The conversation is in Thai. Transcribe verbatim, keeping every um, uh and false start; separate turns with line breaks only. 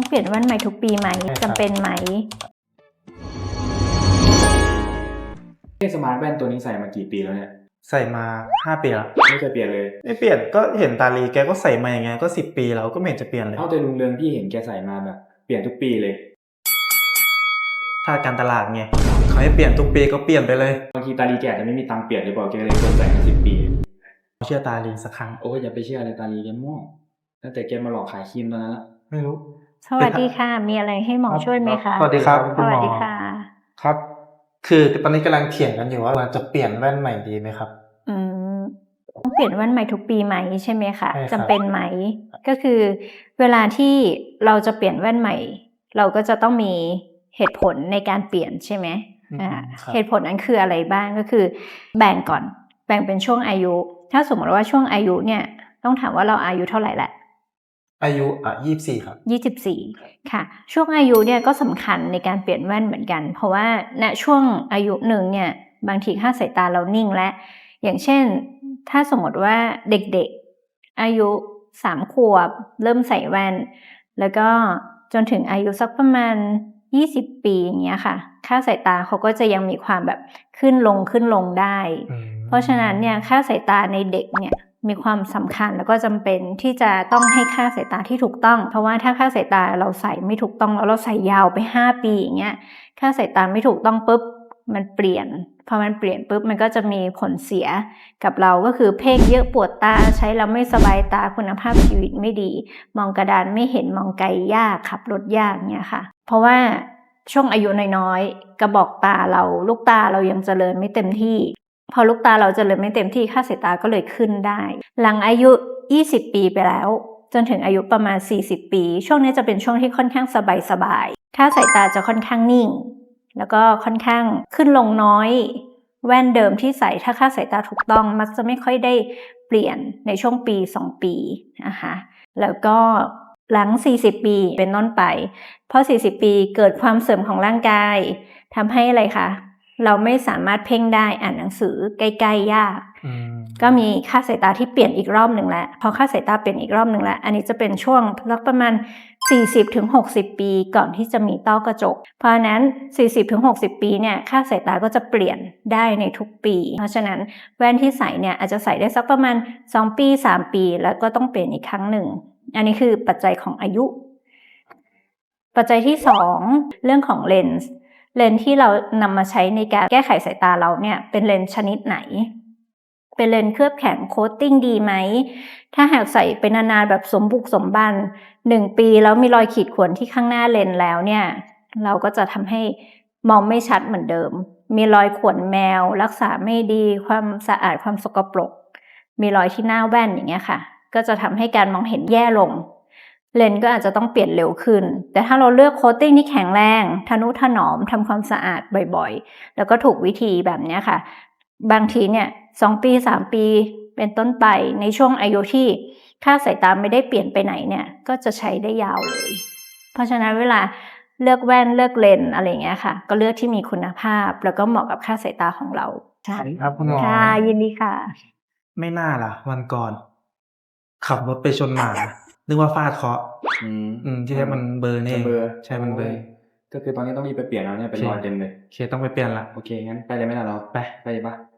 เปลี่ยนแว่นใหม่ทุกปีไหมจำเป็นไหม
เอสมาร์ทแว่นตัวนี้ใส่มากี่ปีแล้วเนี่ย
ใส่มาห้าปีแล้ว
ไม่เคยเปลี่ยนเลย
ไม่เปลี่ยนก็เห็นตาลีแกก็ใส่มาอย่างเงี้ยก็สิบปีแล้วก็ไม่เห็นจะเปลี่ยนเลย
เท่าแต่ลุงเรืองพี่เห็นแกใส่มาแบบเปลี่ยนทุกปีเลย
ถ้าการตลาดไงเขาให้เปลี่ยนทุกปีก็เปลี่ยนไปเลย
บางทีตาลีแกอาจจะไม่มีตังค์เปลี่ยนหรือเปล่าแกเลยควรใส่มาสิบปี
เชื่อตาลีสักครั้ง
โอ้ยอย่าไปเชื่อเลยตาลีแกมั่วตั้งแต่แกมาหลอกขายครีมตอนนั้นละ
ไม่รู้
สวัสดีค่ะมีอะไรให้หมอช่วยไหมคะ
สวัสดีครับ
สวัสดีค่ะ
ครับคือตอนนี้กำลังเถียงกันอยู่ว่าจะเปลี่ยนแว่นใหม่ดีไหมครับ
อืมต้องเปลี่ยนแว่นใหม่ทุกปีไหมใช่ไหมคะจำเป็นไหมก็คือเวลาที่เราจะเปลี่ยนแว่นใหม่เราก็จะต้องมีเหตุผลในการเปลี่ยนใช่ไหมอ่าเหตุผลนั้นคืออะไรบ้างก็คือแบ่งก่อนแบ่งเป็นช่วงอายุถ้าสมมติว่าช่วงอายุเนี่ยต้องถามว่าเราอายุเท่าไหร่แหละ
อายุอ่ะยี่สิบสี่ครับ
ยี่สิบสี่ค่ะช่วงอายุเนี่ยก็สำคัญในการเปลี่ยนแว่นเหมือนกันเพราะว่าณช่วงอายุหนึ่งเนี่ยบางทีค่าสายตาเรานิ่งและอย่างเช่นถ้าสมมติว่าเด็กๆอายุสามขวบเริ่มใส่แว่นแล้วก็จนถึงอายุสักประมาณยี่สิบปีอย่างเงี้ยค่ะค่าสายตาเขาก็จะยังมีความแบบขึ้นลงขึ้นลงได้เพราะฉะนั้นเนี่ยค่าสายตาในเด็กเนี่ยมีความสำคัญแล้วก็จำเป็นที่จะต้องให้ค่าสายตาที่ถูกต้องเพราะว่าถ้าค่าสายตาเราใส่ไม่ถูกต้องแล้วเราใส่ยาวไปห้าปีอย่างเงี้ยค่าสายตาไม่ถูกต้องปุ๊บมันเปลี่ยนพอมันเปลี่ยนปุ๊บมันก็จะมีผลเสียกับเราก็คือเพ่งเยอะปวดตาใช้แล้วไม่สบายตาคุณภาพชีวิตไม่ดีมองกระดานไม่เห็นมองไกลยากขับรถยากเนี่ยค่ะเพราะว่าช่วงอายุน้อยๆกระบอกตาเราลูกตาเรายังเจริญไม่เต็มที่พอลูกตาเราเจริญไม่เต็มที่ค่าสายตาก็เลยขึ้นได้หลังอายุยี่สิบปีไปแล้วจนถึงอายุประมาณสี่สิบปีช่วงนี้จะเป็นช่วงที่ค่อนข้างสบายๆค่าสายตาจะค่อนข้างนิ่งแล้วก็ค่อนข้างขึ้นลงน้อยแว่นเดิมที่ใส่ถ้าค่าสายตาถูกต้องมักจะไม่ค่อยได้เปลี่ยนในช่วงปีสองปีนะคะแล้วก็หลังสี่สิบปีเป็นต้นไปพอสี่สิบปีเกิดความเสื่อมของร่างกายทำให้อะไรคะเราไม่สามารถเพ่งได้อ่านหนังสือใกล้ๆยากก็มีค่าสายตาที่เปลี่ยนอีกรอบหนึ่งแล้วพอค่าสายตาเปลี่ยนอีกรอบหนึ่งแล้วอันนี้จะเป็นช่วงประมาณ สี่สิบถึงหกสิบ ปีก่อนที่จะมีต้อกระจกเพราะฉะนั้น สี่สิบถึงหกสิบ ปีเนี่ยค่าสายตาก็จะเปลี่ยนได้ในทุกปีเพราะฉะนั้นแว่นที่ใส่เนี่ยอาจจะใส่ได้สักประมาณสองปีสามปีแล้วก็ต้องเปลี่ยนอีกครั้งหนึ่งอันนี้คือปัจจัยของอายุปัจจัยที่สองเรื่องของเลนส์เลนส์ที่เรานำมาใช้ในการแก้ไขสายตาเราเนี่ยเป็นเลนส์ชนิดไหนเป็นเลนส์เคลือบแข็งโคตติ้งดีไหมถ้าหากใส่เป็นนานๆแบบสมบุกสมบันหนึ่งปีแล้วมีรอยขีดข่วนที่ข้างหน้าเลนส์แล้วเนี่ยเราก็จะทำให้มองไม่ชัดเหมือนเดิมมีรอยข่วนแมวรักษาไม่ดีความสะอาดความสกปรกมีรอยที่หน้าแว่นอย่างเงี้ยค่ะก็จะทำให้การมองเห็นแย่ลงเลนส์ก็อาจจะต้องเปลี่ยนเร็วขึ้นแต่ถ้าเราเลือกโคตติ้งที่แข็งแรงทนุถนอมทำความสะอาดบ่อยๆแล้วก็ถูกวิธีแบบนี้ค่ะบางทีเนี่ยสองปีสามปีเป็นต้นไปในช่วงอายุที่ค่าสายตาไม่ได้เปลี่ยนไปไหนเนี่ยก็จะใช้ได้ยาวเลยเพราะฉะนั้นเวลาเลือกแว่นเลือกเลนส์อะไรอย่างเงี้ยค่ะก็เลือกที่มีคุณภาพแล้วก็เหมาะกับค่าสายตาของเรา
ใช่ครับคุณหมอ
ค่ะยินดีค่ะ
ไม่น่าล่ะวันก่อนขับรถไปชนหมานึกว่าฟาดเคราะห์อืมอืมที่แท้มันเบอร์นี่เบอร์ใช่มันเบอร์
ก็คือตอนนี้ต้องรีบไปเปลี่ยนแล้วเนี่ยเป็นรอยเต็มเลย
โอเคต้องไปเปลี่ยนละ
โอเคงั้นไปเลยไหมล่ะเรา
ไป
ไปเลยปะ